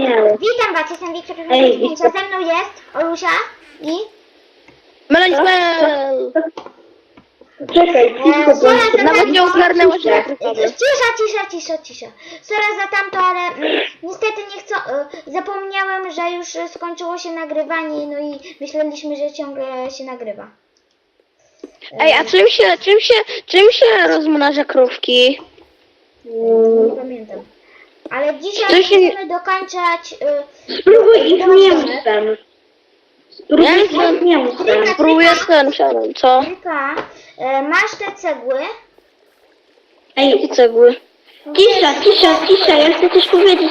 miał. Witam was, jestem Wiktor, Ej, ze mną jest Olusia i... Melanchmel! Czekaj, cicho, Sorry, Nawet nie ogarnęła się. Cisza. Sorry za tamto, ale niestety nie chcę... zapomniałem, że już skończyło się nagrywanie, no i myśleliśmy, że ciągle się nagrywa. Ej, a czym się rozmnaża krówki? Nie pamiętam. Ale dzisiaj To się- będziemy dokończać... Spróbuj ich domek. mięsem. Spróbuj Ja ich mięsem. Próbuję ten challenge, co? Tylko, masz te cegły. Ej, I cegły. cisza, ja chcę coś powiedzieć.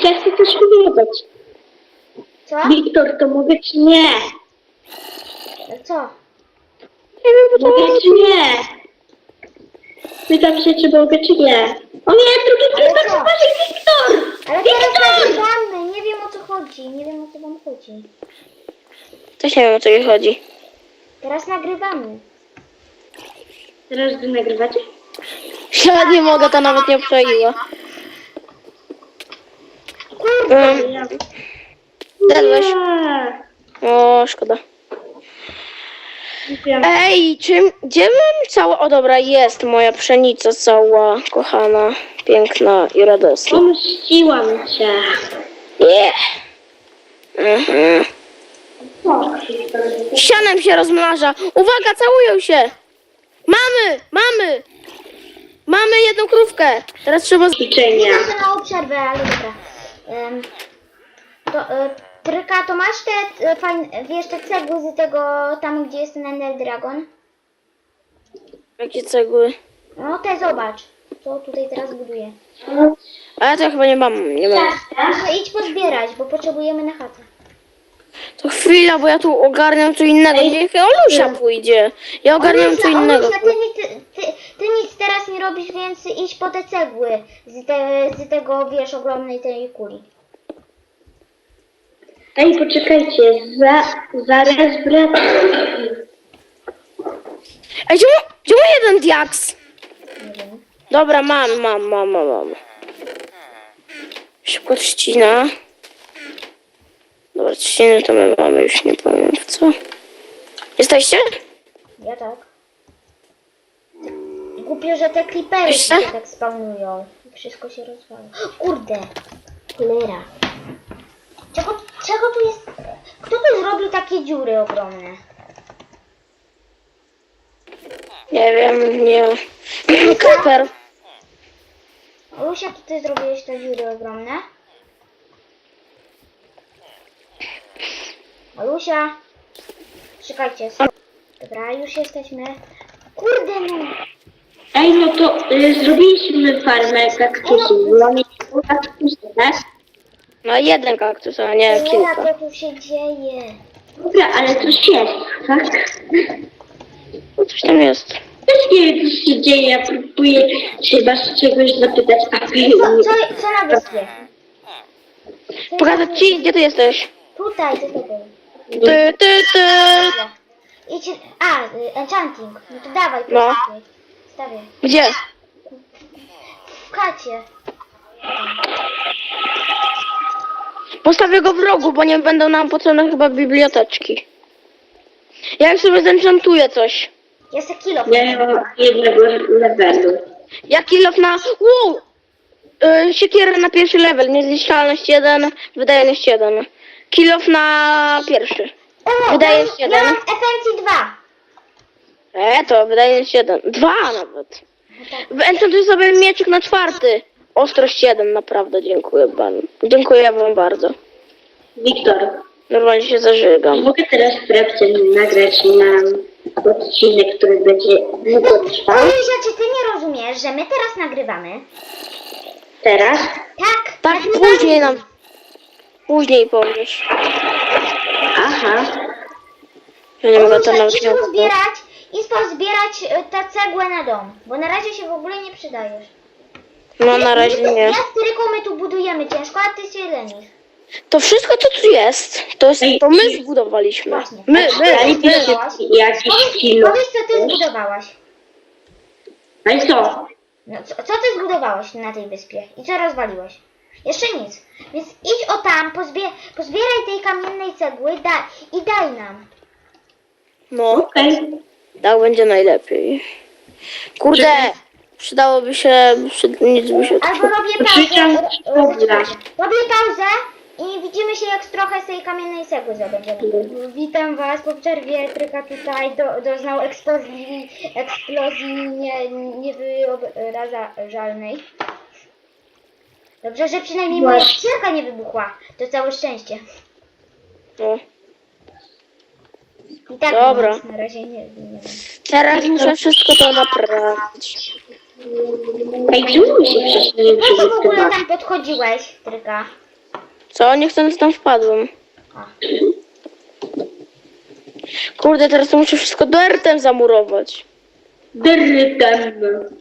Co? Wiktor, to mogę czy nie? Co? Nie wiem, bo to... Mogę czy nie? Pytam się, czy mogę czy nie. O nie, drugi Ale creeper, co? uważaj, Wiktor! Ale teraz nagrywamy, nie wiem o co chodzi, nie wiem o co wam chodzi. Też nie wiem, o co jej chodzi. Teraz nagrywamy. Teraz wy nagrywacie? Ja nie mogę, to nawet nie obczaiła. Zjadłeś? O, szkoda. Ej, gdzie mam cała... O dobra, jest moja pszenica cała, kochana, piękna i radosna. Pomściłam cię. Yeah. Mhm. Sianem się rozmnaża. Uwaga, całują się. Mamy jedną krówkę. Teraz trzeba... Ćwiczenia. Idę na przerwę, ale dobra. Tryka, to masz te fajne, wiesz, te cegły z tego, tam gdzie jest ten Ender Dragon? Jakie cegły? No te zobacz, co tutaj teraz buduję. Ale to ja chyba nie mam. No idź pozbierać, bo potrzebujemy na chatę. To chwila, bo ja tu ogarniam co innego. Niech Olusia pójdzie. Ja ogarniam co innego. Olusia, ty nic teraz nie robisz, więc idź po te cegły z tego, wiesz, ogromnej tej kuli. Ej, poczekajcie, zaraz wracam. Ej, czemu jeden diaks? Nie wiem. Dobra, mam. Szybko trzcina. Dobra, trzciny to my mamy, już nie powiem w co. Jesteście? Ja tak. Głupio, że te klipery Wiesz co? się tak spawnują. I wszystko się rozwala. Kurde! Cholera. Czego tu jest? Kto tu zrobił takie dziury ogromne? Nie wiem, nie. Creeper. Olusia, ty zrobiłeś te dziury ogromne? Olusia! Czekajcie. Dobra, już jesteśmy. Kurde no! Ej, no to zrobiliśmy farmę kaktusów. Mamy kaktusy, tak? No jeden kaktus, a nie Cholera, kilka. co tu się dzieje? Dobra, ale coś jest, tak? No coś tam jest. Też nie wiem, co się dzieje, ja próbuję się was czegoś zapytać, a wy Co na wyspie? Pokazać ci, gdzie ty jesteś? Tutaj, co to było? Ty. Idź, enchanting. No to dawaj, No. postawię. Stawię. Gdzie? W chacie. Postawię go w rogu, bo nie będą nam potrzebne chyba biblioteczki. Ja już sobie zenchantuję coś. Ja se kilo. nie mam jednego levelu. Ja kilof na... Wow! Siekierę na pierwszy level, niezniszczalność 1, wydajność 1. Kilof na pierwszy. Wydaje się, ja jeden. mam FNC 2. To wydajność 1. 2 nawet. No tak. Enchantuję sobie mieczyk na 4. Ostrość 1, naprawdę dziękuję wam. Dziękuję wam bardzo. Wiktor, Normalnie się zażygam. mogę teraz wprawdzie nagrać na odcinek, który będzie długo trwał? Olusia, czy ty nie rozumiesz, że my teraz nagrywamy? Teraz? Tak, Tak, nagrywamy. później nam... Później powiesz. Aha. Ja nie mogę to Olusia, nawet idź nie pozbierać tę cegłę na dom, bo na razie się w ogóle nie przydajesz. No na razie nie. Ja z Tyryką my tu budujemy ciężko, a ty się lenisz. To wszystko co tu jest, to my zbudowaliśmy. Właśnie. My. Dajcie jakiś kilo. Powiedz, co ty zbudowałaś. No i co? No, co ty zbudowałaś na tej wyspie i co rozwaliłeś? Jeszcze nic. Więc idź o tam, pozbieraj tej kamiennej cegły i daj nam. No, Okej. tak będzie najlepiej. Kurde, przydałoby się, nic by się... Albo robię Krzyczę, pauzę. dobra. Robię pauzę i widzimy się, jak trochę z tej kamiennej cegły zdobędziemy. Witam was po przerwie. Tryka tutaj doznał eksplozji niewyobrażalnej. Dobrze, że przynajmniej moja Właśnie. skrzynka nie wybuchła. To całe szczęście. No. I tak Dobra. nic na razie nie wiem. Teraz muszę wszystko to naprawić. Ej, czemu się wcześniej nie Po co w ogóle przygotowałeś? tam podchodziłeś, Tryka? Co? Niechcący tam wpadłem. A. Kurde, teraz to muszę wszystko dertem zamurować. Dyrtem.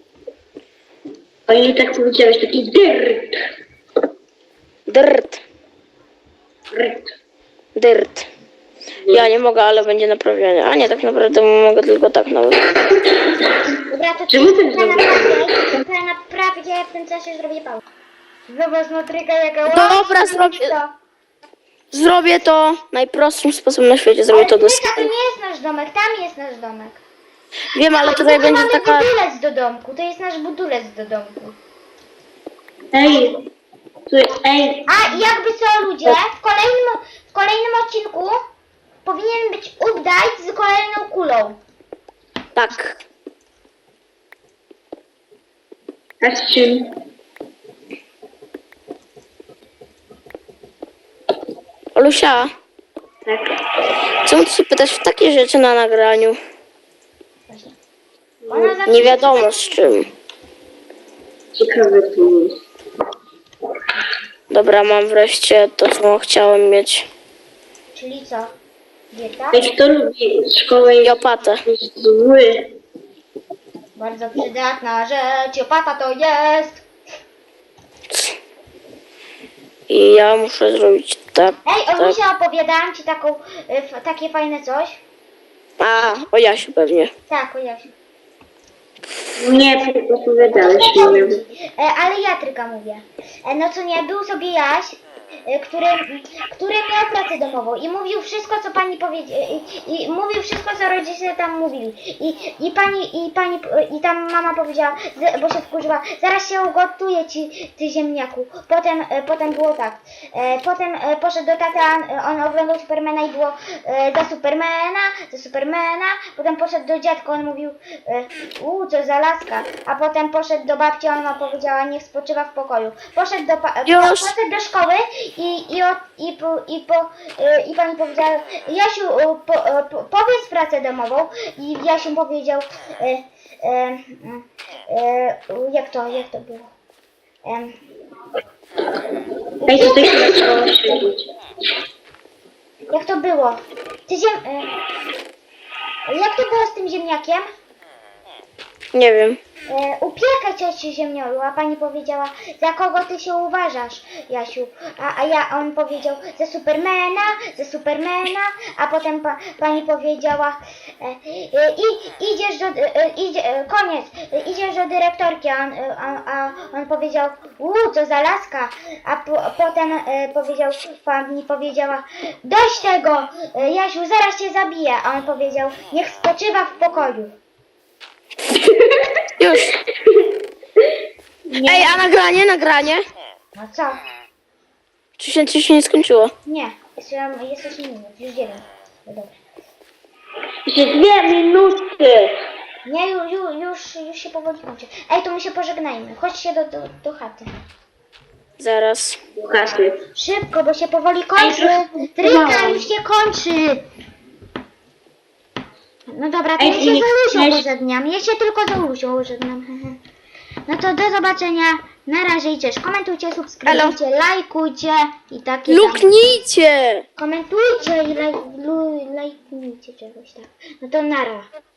A nie tak powiedziałeś, taki dyrt. Dyrt. Dyrt. Dyrt. Ja nie mogę, ale będzie naprawione. A nie, tak naprawdę mogę tylko tak nawet. Dobra, to Czemu ty naprawię, w tym czasie zrobię pauzę. Zobacz, no Tryka, jaka Dobra, ładna zrobię- to. Zrobię to najprostszym sposobem na świecie. Zrobię to do Tryka, to nie jest nasz domek, tam jest nasz domek. Wiem, ale tutaj Tu będzie mamy taka... budulec do domku, to jest nasz budulec do domku. Ej. Ej. A jakby co ludzie, w kolejnym odcinku powinien być update z kolejną kulą. Tak. A z czym? Olusia, Tak. czemu ty się pytasz w takie rzeczy na nagraniu? Ona zawsze Nie wiadomo z czym. Ciekawe to jest. Dobra, mam wreszcie to, co chciałem mieć. Czyli co? Dieta? Ej, kto lubi szkołę I opatę. jest zły. Bardzo przydatna rzecz, opata to jest. I ja muszę zrobić tak, Ej, tak. Olusia, opowiadałam ci takie fajne coś? A, o Jasiu pewnie. Tak, o Jasiu. Nie, opowiadałeś mi. Ale ja Tryka mówię. No co nie, był sobie Jaś, który miał pracę domową i mówił wszystko, co pani powiedziała, i mówił wszystko, co rodzice tam mówili. I tam mama powiedziała, bo się wkurzyła, zaraz się ugotuje ci, ty ziemniaku. Potem było tak. Potem poszedł do taty, on oglądał Supermana i było za Supermana. Potem poszedł do dziadka, on mówił, co za laska. A potem poszedł do babci, ona powiedziała, niech spoczywa w pokoju. Poszedł poszedł do szkoły i pani powiedziała, Jasiu, powiedz pracę domową. I Jasiu powiedział, jak to było? Ej, tutaj się zaczęło siedzieć. Jak to było? Jak to było z tym ziemniakiem? Nie wiem. Upiekaj cioci ziemniolu, a pani powiedziała, za kogo ty się uważasz, Jasiu? On powiedział, za Supermana, a potem pani powiedziała, idziesz do dyrektorki, a on powiedział, co za laska, a potem pani powiedziała, dość tego, Jasiu, zaraz cię zabiję, a on powiedział, niech spoczywa w pokoju. Już. Ej, a nagranie? No co? Czy się nie skończyło? Nie, jest 8 minut, już 9. No dobra. Jeszcze 2 minuty. Nie, już się powoli kończy. Ej, to my się pożegnajmy. Chodźcie do chaty. Zaraz. Kasy. Szybko, bo się powoli kończy. Ej, Tryka no. już się kończy. No dobra, to Ej, ja się nie- z Olusią nie- pożegnam. Ja się tylko z Olusią żegnam. No to do zobaczenia. Na razie i cześć. Komentujcie, subskrybujcie, lajkujcie i takie tam. Luknijcie! Komentujcie i lajkujcie czegoś tak. No to nara.